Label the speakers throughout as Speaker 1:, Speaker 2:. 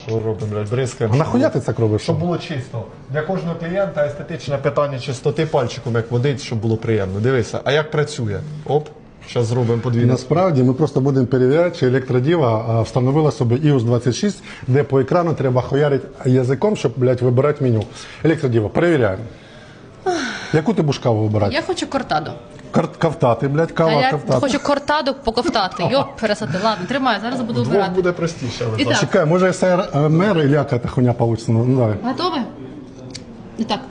Speaker 1: Що робимо, блядь, бризкаємо.
Speaker 2: А нахуя ти це робиш?
Speaker 1: Щоб було чисто. Для кожного клієнта естетичне питання чистоти пальчиком, як водить, щоб було приємно. Дивися, а як працює? Оп, зараз зробимо подвійне.
Speaker 2: Насправді ми просто будемо перевіряти, чи електродіва встановила собі iOS 26, де по екрану треба хуярити язиком, щоб, блядь, вибирати меню. Електродіва, перевіряємо. Яку ти будеш каву вибирати?
Speaker 3: Я хочу кортадо.
Speaker 2: Ковтати, блядь,
Speaker 3: А
Speaker 2: кава
Speaker 3: я
Speaker 2: ковтати.
Speaker 3: хочу кортадо поковтати. Йоп, пересати. Ладно, тримаю, зараз буду
Speaker 1: Двох
Speaker 3: вибирати.
Speaker 1: буде простіше. Але
Speaker 3: І так,
Speaker 2: Чекай, може СРМР или яка та хуйня получится? Ну, давай.
Speaker 3: готові? І так.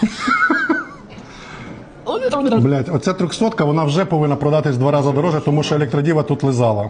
Speaker 2: Блядь, оця 300-ка, вона вже повинна продатись 2 рази дороже, тому що електродіва тут лизала.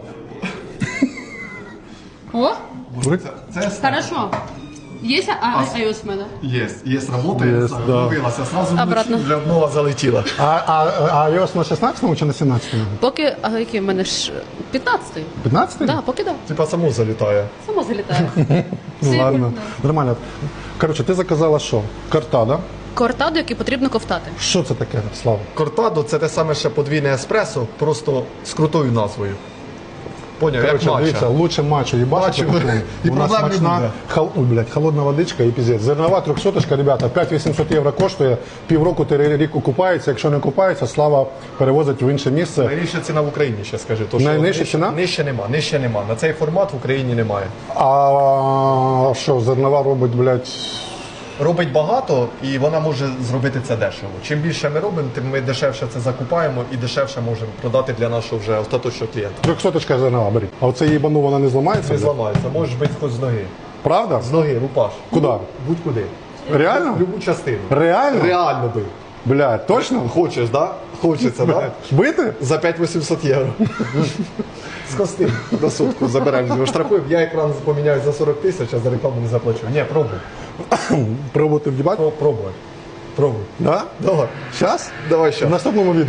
Speaker 3: О,
Speaker 1: Це
Speaker 3: хорошо. Є iOS в мене?
Speaker 1: є, работає,
Speaker 2: Є, да.
Speaker 1: ловилася, сразу
Speaker 3: Обратно.
Speaker 1: вже нова залетіла.
Speaker 2: А iOS на 16-му чи на 17-му?
Speaker 3: Поки, а який в мене ж 15-й?
Speaker 2: 15-й?
Speaker 3: Да, поки да.
Speaker 1: Типа само залітає.
Speaker 3: Само залітає.
Speaker 2: Ну, ладно.
Speaker 3: Сильно.
Speaker 2: Нормально. Коротше, ти заказала що? Кортадо.
Speaker 3: Кортадо, який потрібно ковтати.
Speaker 2: Що це таке, Слава?
Speaker 1: Кортадо це те саме ще подвійне еспресо, просто з крутою назвою. Поняв, як
Speaker 2: Короче,
Speaker 1: матча.
Speaker 2: дивіться, лучше матча їбашити.
Speaker 1: Матчу. І
Speaker 2: У нас
Speaker 1: проблем не
Speaker 2: смачна,
Speaker 1: буде.
Speaker 2: блядь, холодна водичка і піздець. Зернова 300-очка, ребята, 5800 євро коштує, півроку ти рік окупається, якщо не окупається, Слава перевозить в інше місце.
Speaker 1: Найнижча ціна в Україні, ще скажи. То, що
Speaker 2: Найнижча ціна?
Speaker 1: Нижче нема. На цей формат в Україні немає.
Speaker 2: А що, зернова робить, блядь,
Speaker 1: Робить багато і вона може зробити це дешево. Чим більше ми робимо, тим ми дешевше це закупаємо і дешевше можемо продати для нашого вже остаточного клієнта.
Speaker 2: 300-очка зернова, беріть. А оце їбану, вона не зламається?
Speaker 1: Не
Speaker 2: блядь?
Speaker 1: зламається, можеш бити хоч з ноги.
Speaker 2: Правда?
Speaker 1: З ноги, рупаш.
Speaker 2: Куди?
Speaker 1: Будь-куди.
Speaker 2: Реально?
Speaker 1: В любу частину.
Speaker 2: Реально?
Speaker 1: Реально бий.
Speaker 2: Блядь, точно?
Speaker 1: Хочеш, да? Хочеться, да?
Speaker 2: Бити?
Speaker 1: За 5800 євро. З кости на сутку заберемо. Штрафуємо. Я екран поміняю за 40 тисяч, а за рекламу не заплачу. Ні, пробуй.
Speaker 2: Пробувати вдівати?
Speaker 1: Пробуй. Пробуй.
Speaker 2: Да?
Speaker 1: Давай.
Speaker 2: Щас?
Speaker 1: Давай
Speaker 2: В
Speaker 1: ще.
Speaker 2: наступному відео.